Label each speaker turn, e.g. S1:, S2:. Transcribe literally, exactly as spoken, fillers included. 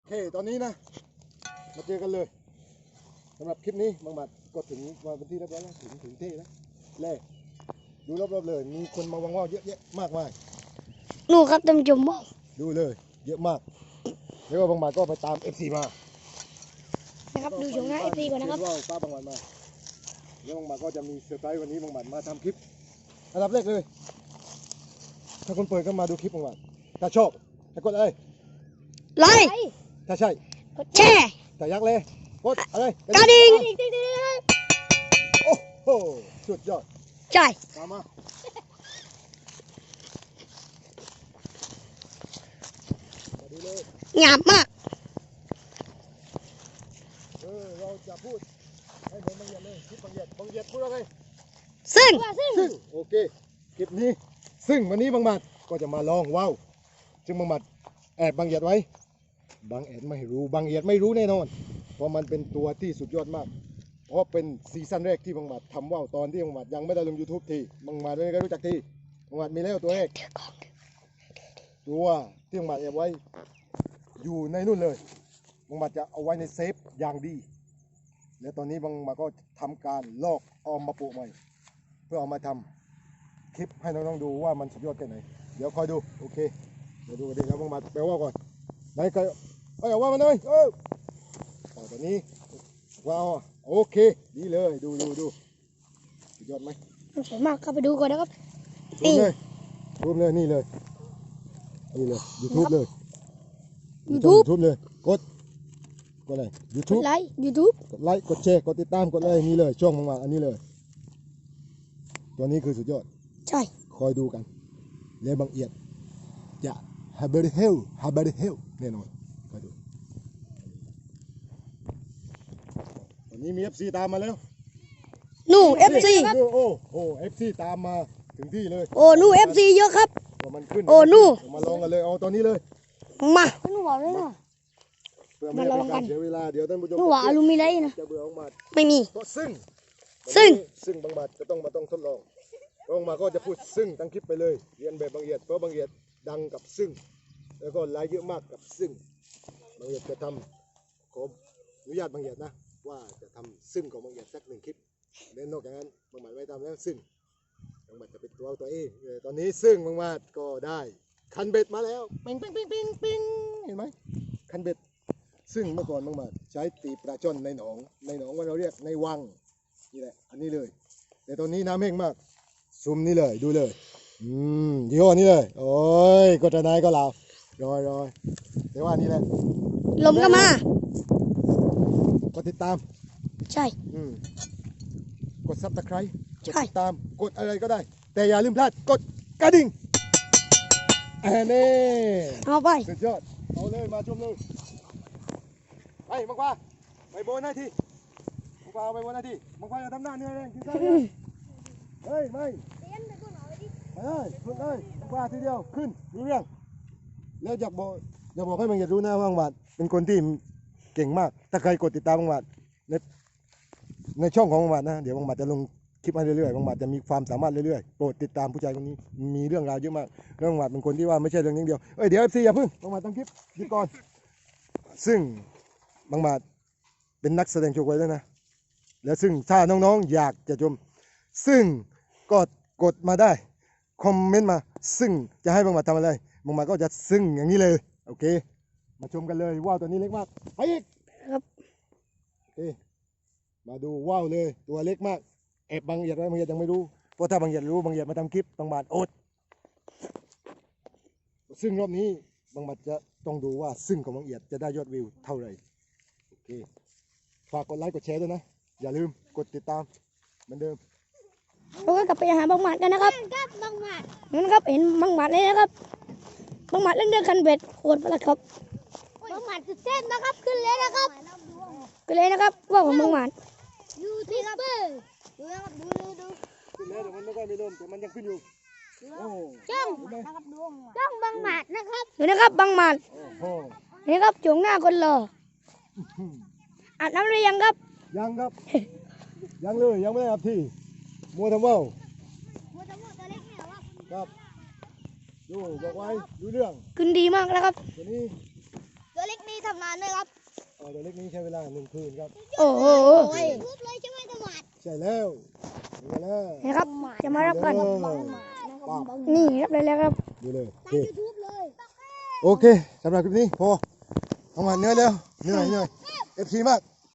S1: เคตอนนี้นะมาเจอกันเลยสำหรับคลิปนี้บางบัดก็ถึงมาเป็นที่เรียบร้อยแล้วถึงถึงที่แล้วเล่ดูรอบๆเลยมีคนมาวางว่าวเยอะแยะมากมาย
S2: นู่ครับท่านผู้ชมบอก
S1: ดูเลยเยอะมากแล้วก็บางบัดก็ไปตาม เอฟ ซี มา
S2: นะครับดูชมหน้าเอฟซีก่อนนะครับ
S1: ว่าวป้าบางบัดมาแล้วบางบัดก็จะมีเซอร์ไพรส์วันนี้บางบัดมาทำคลิปอันดับแรกเลยถ้าคนเปิดก็มาดูคลิปบางบัดถ้าชอบให้กดอะไร
S2: ไลค์
S1: ถ้าใช่
S2: กดแชร์
S1: ถ้ายักเลยกดอะไร
S2: กระดิ่ง
S1: โอ้โหสุดยอด
S2: ใช่
S1: ตามมามาดูเลย
S2: งามมาก
S1: เออเราจะพูดให้เหมือนบางเหยียดเลยคลิปบางเหยียดบางเหยียดพูดอะไร
S2: ซึ่ง
S1: ซึ่งโอเคคลิปนี้ซึ่งวันนี้บางหมัดก็จะมาลองว้าวซึ่งบางหมัดแอบบางเหยียดไว้บางแอดไม่รู้บางเหยียดไม่รู้แน่นอนเพราะมันเป็นตัวที่สุดยอดมากเพราะเป็นซีซั่นแรกที่บางหมัดทำว่าวตอนที่บางหมัดยังไม่ได้ลง ยูทูบ ทีบางหมัดไม่ได้รู้จักทีบางหมัดมีแล้วตัวแรกตัวที่บางหมัดแอบไว้อยู่ในนู่นเลยบางหมัดจะเอาไว้ในเซฟอย่างดีและตอนนี้บางหมัดก็ทำการลอกออมมาปลูกใหม่เพื่อเอามาทำคลิปให้น้องๆดูว่ามันสุดยอดแค่ไหนเดี๋ยวคอยดูโอเคเดี๋ยวดูกันดีแล้วบางหมัดแปลว่าก่อนไหนใครเอ้ยเอาว่ามันเลยเออต่อตอนนี้ว้าวโอเคดีเลยดูดูดูสุดยอดไหม
S2: สวยมากครับไปดูก่อนนะครับ
S1: รูปเลยรูปเลยนี่เลยนี่เลยยูทูบเลย
S2: ยูทูบ
S1: ยูทูบเลยกดกดอะไรยู
S2: ก
S1: ทู
S2: ด
S1: บ
S2: ไลค์ยูทูบ
S1: กดไลค์กดแชร์กดติดตามกดอะไรนี่เลยช่องบางหมัดอันนี้เลยตัวนี้คือสุดยอด
S2: ใช่
S1: คอยดูกันและบางเอียดจะฮับเบอร์เฮลฮับเบอร์เฮลแน่นอนคอยดูตอนนี้มี เอฟ ซี ตามมาแล้ว
S2: นู่เอฟซี
S1: ดูโอ้โห เอฟ ซี ตามมาถึงที่เลย
S2: โอ้นู่เอฟซีเยอะครับ
S1: ว่ามันขึ้น
S2: โอ้นู่
S1: มาลองกันเลยเอาตอนนี้เลย
S2: มาหนูบอกเลยนะ
S1: เพื่อไม่ให้เป็นการเสียเวลาเดี๋ยวท่านผู้ชม
S2: หนูว่าอลูมิไลท์นะ
S1: จะเบื่อของมาด
S2: ไม่มี
S1: เพราะซึ่ง
S2: ซึ่ง
S1: ซึ่งบางบาทจะต้องมาต้องทดลองบางมาก็จะพูดซึ่งตั้งคลิปไปเลยเรียนแบบบางเอียดเพราะบางเอียดดังกับซึ่งแล้วก็ไลค์เยอะมากกับซึ่งบางเอียดจะทำขออนุญาตบางเอียดนะว่าจะทำซึ่งของบางเอียดสักหนึ่งคลิปและนอกจากนั้นบางหมัดไม่ทำแล้วซึ่งบางหมัดจะเป็นตัวตัวเองเออตอนนี้ซึ่งบางหมัดก็ได้คันเบ็ดมาแล้วปิงปิงปิงปิงปิงเห็นไหมคันเบ็ดซึ่งเมื่อก่อนบางหมัดใช้ตีปลาช่อนในหนองในหนองว่าเราเรียกในวังนี่แหละอันนี้เลยแต่ตอนนี้น้ำแห้งมากซุ่มนี่เลยดูเลยอืมยี่ห้อนี้เลยโอ้ยก็จะนายก็ลาวรอยรอยแต่ว่านี่แหละ
S2: ลมก็มา
S1: ก็ติดตาม
S2: ใช่
S1: อืมกดซับสไครต์กด
S2: ใช่
S1: ติดตามกดอะไรก็ได้ แต่อย่าลืมพลาดกดกระดิ่งอันนี้
S2: เอาไป
S1: สุดยอดเอาเลยมาชมเลยไปมังควาไปโบนหน้าที่มังควาเอาไปโบนหน้าที่มังควาอย่าทำหน้าเหนื่อยเลยกินข้าวเลยเฮ้ยไม่ไปเลยขึ้นเลยมังควาทีเดียวขึ้นรู้เรื่องแล้วอยากบอกอยากบอกให้มังอย่ารู้นะว่ามังวาดเป็นคนที่เก่งมากถ้าใครกดติดตามมังวาดในในช่องของมังวาดนะเดี๋ยวมังวาดจะลงคลิปมาเรื่อยๆมังวาดจะมีความสามารถเรื่อยๆโปรดติดตามผู้ชายคนนี้มีเรื่องราวเยอะมากเรื่องมังวาดเป็นคนที่ว่าไม่ใช่เรื่องนี้เดียวเอ้ยเดี๋ยวเอฟซีอย่าเพิ่งมังวาดตั้งคลิปดีก่อนซึ่งมังวาดเป็นนักแสดงโชว์ไว้แล้วนะแล้วซึ่งถ้าน้องๆอยากจะชมซึ่งก็กดมาได้คอมเมนต์มาซึ่งจะให้มังวาดทำอะไรมังวาดก็จะซึ่งอย่างนี้เลยโอเคมาชมกันเลยว่าวตัวนี้เล็กมากไปอีก
S2: ครับ
S1: โอเคมาดูว่าวเลยตัวเล็กมากแอบบางเหยียดไว้บางเหยียดยังไม่รู้เพราะถ้าบางเหยียดรู้บางเหยียดมาทำคลิปบางบาทอดซึ่งรอบนี้บางบาทจะต้องดูว่าซึ่งของบางเหยียดจะได้ยอดวิวเท่าไหร่โอเคฝากกดไลค์กดแชร์ด้วยนะอย่าลืมกดติดตามเหมือนเดิม
S2: เราก็กลับไปหาบางหมัดกันนะครับบางหมัดนั่นครับเห็นบางหมัดเลยนะครับบางหมัดเล่นเรื่องคันเบ็ดโคตรประหลาดครับบางหมัดสุดเส้นนะครับขึ้นเลยนะครับขึ้นเลยนะครับว่าผมบางหมัด
S3: ยูทูบเบอร์ดูนะครับดูดูดู
S1: ขึ้นแล้วแต่มันไม่ค่อยมีลมแต่มันยังขึ้นอยู่โอ้
S3: จ้อง
S1: เห็นไหม
S3: นะครับดูจ้องบางหมัดนะครับ
S2: เห็นนะครับบางหมัด
S1: โอ้โห
S2: เห็นครับจงหน้าคนรออาบน้ำหรือยังครับ
S1: ยังครับ ยังเลยยังไม่ได้อาบที่มัวทำว่าว
S3: หัวจมูกตัวเล็กเนี่ยว่า
S1: ครับดูบอกไว้ดูเรื่อง
S2: ขึ้นดีมากแล้วครับ
S1: ตัวนี้
S3: ตัวเล็กนี่นี้ทำงานด้วยครับ
S1: เออตัวเล็กนี้ใช้เวลาหนึ่งคืนครับ
S2: โอ้โห
S3: ทุบเลยใช่ไหมสมัด
S1: ใช่แล้วดูกันแล้ว
S2: นี่ครับจะมารับกัน
S1: เออ
S3: นะครับ
S2: นี่รับเลยแล้วครับ
S1: ดูเลยโอ
S3: ตั้
S1: เค
S3: งยูทูบเลย
S1: โอเคสำหรับคลิปนี้พอเอามาเหนื่อยแล้วเหนื่อยเหนื่อยเอฟซีมาก